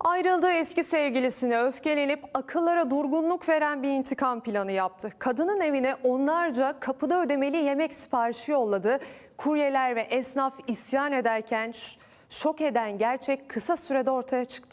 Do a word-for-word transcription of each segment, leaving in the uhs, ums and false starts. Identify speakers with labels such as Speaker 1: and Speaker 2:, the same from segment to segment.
Speaker 1: Ayrıldığı eski sevgilisine öfkelenip akıllara durgunluk veren bir intikam planı yaptı. Kadının evine onlarca kapıda ödemeli yemek siparişi yolladı. Kuryeler ve esnaf isyan ederken şok eden gerçek kısa sürede ortaya çıktı.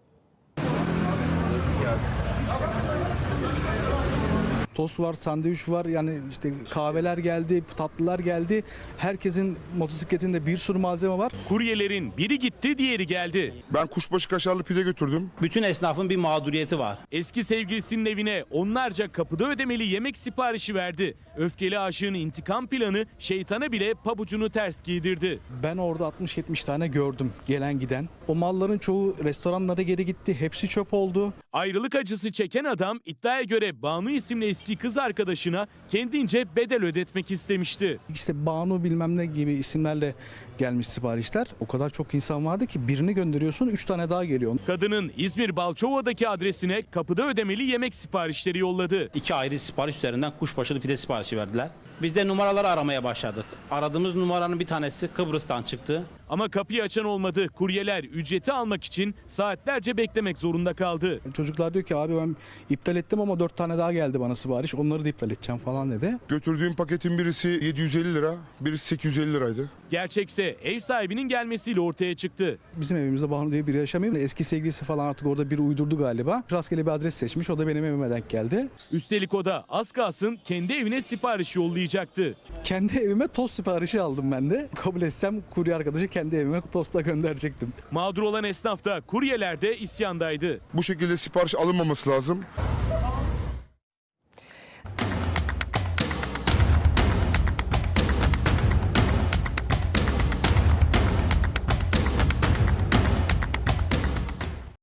Speaker 2: Tost var, sandviç var, yani işte kahveler geldi, tatlılar geldi. Herkesin motosikletinde bir sürü malzeme var.
Speaker 3: Kuryelerin biri gitti, diğeri geldi.
Speaker 4: Ben kuşbaşı kaşarlı pide götürdüm.
Speaker 5: Bütün esnafın bir mağduriyeti var.
Speaker 3: Eski sevgilisinin evine onlarca kapıda ödemeli yemek siparişi verdi. Öfkeli aşığın intikam planı şeytana bile pabucunu ters giydirdi.
Speaker 2: Ben orada altmış yetmiş tane gördüm gelen giden. O malların çoğu restoranlara geri gitti, hepsi çöp oldu.
Speaker 3: Ayrılık acısı çeken adam iddiaya göre Banu isimli eski kız arkadaşına kendince bedel ödetmek istemişti.
Speaker 2: İşte Banu bilmem ne gibi isimlerle gelmiş siparişler. O kadar çok insan vardı ki birini gönderiyorsun, üç tane daha geliyor.
Speaker 3: Kadının İzmir Balçova'daki adresine kapıda ödemeli yemek siparişleri yolladı.
Speaker 5: İki ayrı sipariş üzerinden kuşbaşılı pide siparişi verdiler. Biz de numaraları aramaya başladık. Aradığımız numaranın bir tanesi Kıbrıs'tan çıktı.
Speaker 3: Ama kapıyı açan olmadı. Kuryeler ücreti almak için saatlerce beklemek zorunda kaldı.
Speaker 2: Çocuklar diyor ki abi ben iptal ettim ama dört tane daha geldi bana sipariş. Onları da iptal edeceğim falan dedi.
Speaker 4: Götürdüğüm paketin birisi yedi yüz elli lira, birisi sekiz yüz elli liraydı.
Speaker 3: Gerçekse ev sahibinin gelmesiyle ortaya çıktı.
Speaker 2: Bizim evimizde Banu diye biri yaşamıyor. Eski sevgilisi falan artık orada biri uydurdu galiba. Rastgele bir adres seçmiş. O da benim evime denk geldi.
Speaker 3: Üstelik o da az kalsın kendi evine sipariş yollayacaktı.
Speaker 2: Kendi evime tost siparişi aldım ben de. Kabul etsem kurye arkadaşı kendi evime tostla gönderecektim.
Speaker 3: Mağdur olan esnaf da kuryeler de isyandaydı.
Speaker 4: Bu şekilde sipariş alınmaması lazım.